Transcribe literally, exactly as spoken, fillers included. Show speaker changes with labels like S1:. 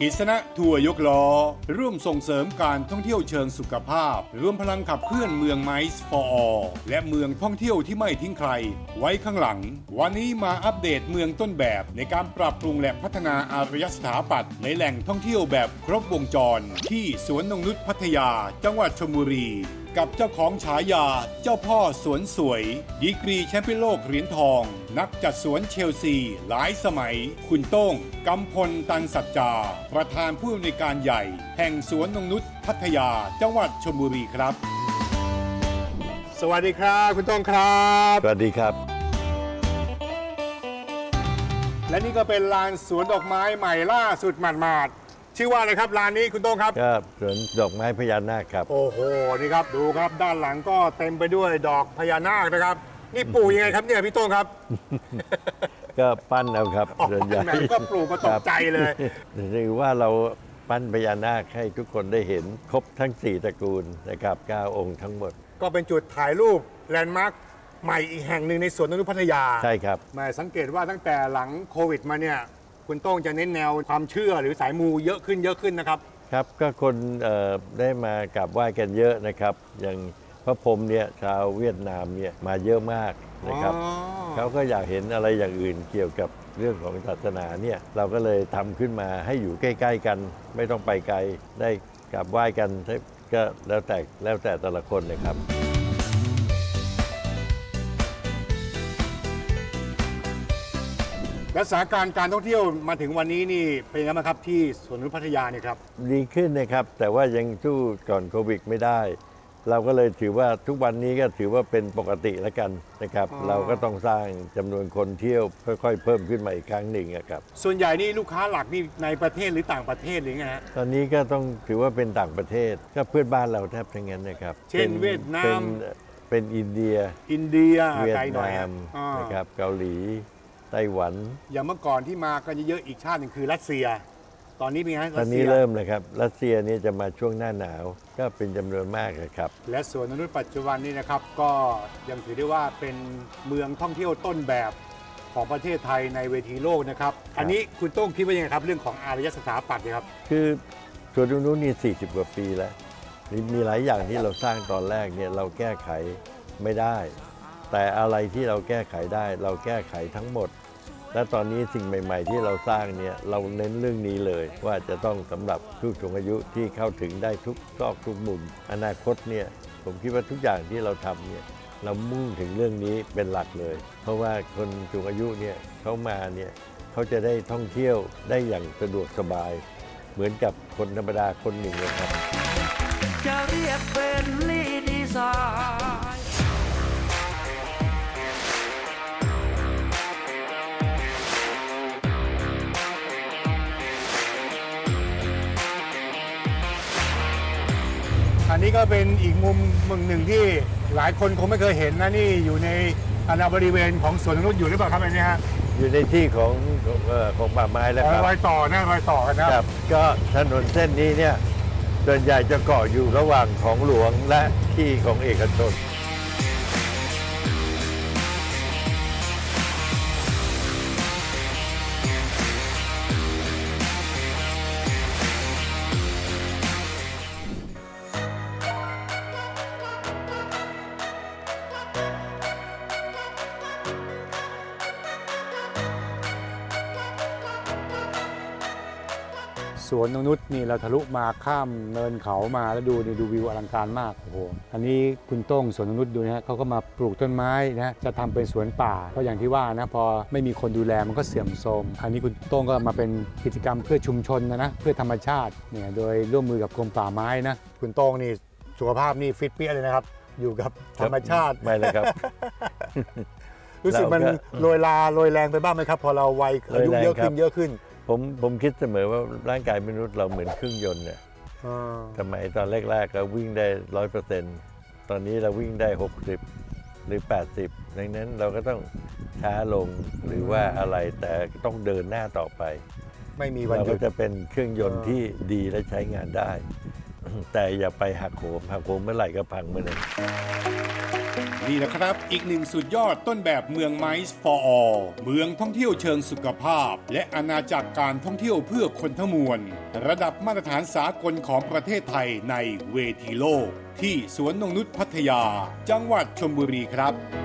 S1: กิษณะทัวร์ยกล้อร่วมส่งเสริมการท่องเที่ยวเชิงสุขภาพรวมพลังขับเคลื่อนเมืองไมซ์ for all และเมืองท่องเที่ยวที่ไม่ทิ้งใครไว้ข้างหลังวันนี้มาอัปเดตเมืองต้นแบบในการปรับปรุงและพัฒนาอารยสถาปัตย์ในแหล่งท่องเที่ยวแบบครบวงจรที่สวนนงนุชพัทยาจังหวัดชลบุรีกับเจ้าของฉายาเจ้าพ่อสวนสวยดีกรีแชมป์เปี้ยนโลกเหรียญทองนักจัดสวนเชลซีหลายสมัยคุณโต้งกำพลตันสัจจาประธานผู้อำนวยการใหญ่แห่งสวนนงนุชพัทยาจังหวัดชลบุรีครับสวัสดีครับคุณโต้งครับ
S2: สวัสดีครับ
S1: และนี่ก็เป็นลานสวนดอกไม้ใหม่ล่าสุดหมาดๆชื่อว่าอะไรครับลานนี้คุณโต้งครับ
S2: ครับสวนดอกไม้พญานาคครับ
S1: โอ้โหนี่ครับดูครับด้านหลังก็เต็มไปด้วยดอกพญานาคนะครับนี่ปลูกยังไงครับเนี่ยพี่โต้งครับ
S2: ก็ปั้นเอาครับ
S1: ส่วนใหญ่ก็ปลูกก็ตกใจเลย
S2: ถือว่าเราปั้นพญานาคให้ทุกคนได้เห็นครบทั้งสี่ตระกูลนะครับเก้าองค์ทั้งหมด
S1: ก็เป็นจุดถ่ายรูปแลนด์มาร์คใหม่อีกแห่งหนึ่งในสวนนงนุชพัทยา
S2: ใช่ครับ
S1: แม่สังเกตว่าตั้งแต่หลังโควิดมาเนี่ยคุณโต้งจะเน้นแนวความเชื่อหรือสายมูเยอะขึ้นเยอะขึ้นนะครับ
S2: ครับก็คนได้มากราบไหว้กันเยอะนะครับอย่างพระพรหมเนี่ยชาวเวียดนามเนี่ยมาเยอะมากนะครับเขาก็อยากเห็นอะไรอย่างอื่นเกี่ยวกับเรื่องของศาสนาเนี่ยเราก็เลยทำขึ้นมาให้อยู่ใกล้ๆกันไม่ต้องไปไกลได้กราบไหว้กันก็แล้วแต่แล้วแต่แต่ละคนเลยครับ
S1: และสถานการณ์การท่องเที่ยวมาถึงวันนี้นี่เป็นยังไงบ้างครับที่สวนนงนุชพัทยาเนี่ยครับ
S2: ดีขึ้นนะครับแต่ว่ายังสู้ก่อนโควิดไม่ได้เราก็เลยถือว่าทุกวันนี้ก็ถือว่าเป็นปกติแล้วกันนะครับเราก็ต้องสร้างจำนวนคนเที่ยวค่อยๆเพิ่มขึ้นมาอีกครั้งหนึ่งครับ
S1: ส่วนใหญ่นี่ลูกค้าหลักนี่ในประเทศหรือต่างประเทศหรือไงฮะ
S2: ตอนนี้ก็ต้องถือว่าเป็นต่างประเทศก็เพื่อนบ้านเราแทบทั้งนั้นนะครับ
S1: เช่นเวียดนาม
S2: เป็นเป็นอินเดีย
S1: อินเดีย
S2: เวียดนามนะครับเกาหลีไต้หวัน
S1: อย่างเมื่อก่อนที่มากันเยอะๆอีกชาติหนึ่งคือรัสเซียตอนนี้เป็นไง
S2: ตอนนี้เริ่มเลยครับรัสเซียนี่จะมาช่วงหน้าหนาวก็เป็นจำนวนมากครับ
S1: และสวนนงนุชปัจจุบันนี้นะครับก็ยังถือได้ว่าเป็นเมืองท่องเที่ยวต้นแบบของประเทศไทยในเวทีโลกนะครับอันนี้คุณโต้งคิดว่ายังไงครับเรื่องของอารยสถาปัตย์ครับ
S2: คือสวนนงนุชนี่สี่สิบกว่าปีแล้วมีหลายอย่างที่เราสร้างตอนแรกเนี่ยเราแก้ไขไม่ได้แต่อะไรที่เราแก้ไขได้เราแก้ไขทั้งหมดและตอนนี้สิ่งใหม่ๆที่เราสร้างเนี่ยเราเน้นเรื่องนี้เลยว่าจะต้องสำหรับผู้สูงอายุที่เข้าถึงได้ทุกซอกทุกมุมอนาคตเนี่ยผมคิดว่าทุกอย่างที่เราทำเนี่ยเรามุ่งถึงเรื่องนี้เป็นหลักเลยเพราะว่าคนสูงอายุเนี่ยเขามาเนี่ยเขาจะได้ท่องเที่ยวได้อย่างสะดวกสบายเหมือนกับคนธรรมดาคนหนึ่งเลยครับ
S3: จะเรียกเป็นลีดีไซน์
S1: อันนี้ก็เป็นอีกมุมมุมหนึ่งที่หลายคนคงไม่เคยเห็นนะนี่อยู่ในอาณาบริเวณของสวนนงนุชอยู่หรือเปล่าครับอันนี้ฮะ
S2: อยู่ในที่ของของป่าไม้แล้วครับ
S1: รอยต่อนะรอยต่อกันนะครับ
S2: ก็ถนนเส้นนี้เนี่ยส่วนใหญ่จะเกาะอยู่ระหว่างของหลวงและที่ของเอกชน
S1: สวนนงนุชนี่เราทะลุมาข้ามเนินเขามาแล้วดูดูวิวอลังการมากโอ้โหอันนี้คุณโต้งสวนนงนุชดูนะฮะเขาก็มาปลูกต้นไม้นะจะทำเป็นสวนป่าเพราะอย่างที่ว่านะพอไม่มีคนดูแลมันก็เสื่อมโทรมอันนี้คุณโต้งก็มาเป็นกิจกรรมเพื่อชุมชนนะนะเพื่อธรรมชาติเนี่ยโดยร่วมมือกับกรมป่าไม้นะคุณโต้งนี่สุขภาพนี่ฟิตเปี้ยเลยนะครับอยู่กับธรรมชาติ
S2: ไม่เลยครับ
S1: รู้สึกมันโรยลาโรยแรงไปบ้างไหมครับพอเราวัยอายุเยอะขึ้นเยอะขึ้น
S2: ผมผมคิดเสมอว่าร่างกายมนุษย์เราเหมือนเครื่องยนต์เนี่ยสมัยตอนแรกๆเราวิ่งได้ร้อยเปอร์เซ็นต์ตอนนี้เราวิ่งได้หกสิบหรือแปดสิบดังนั้นเราก็ต้องช้าลงหรือว่าอะไรแต่ต้องเดินหน้าต่อไป
S1: ไม่มีวันหยุด
S2: เราก็จะเป็นเครื่องยนต์ที่ดีและใช้งานได้แต่อย่าไปหักโหมหักโหมเมื่อไหร่ก็พังเมื่อนั้น
S1: นี่แหละครับอีกหนึ่งสุดยอดต้นแบบเมืองไมซ์ for all เมืองท่องเที่ยวเชิงสุขภาพและอาณาจักรการท่องเที่ยวเพื่อคนทั้งมวลระดับมาตรฐานสากลของประเทศไทยในเวทีโลกที่สวนนงนุชพัทยาจังหวัดชลบุรีครับ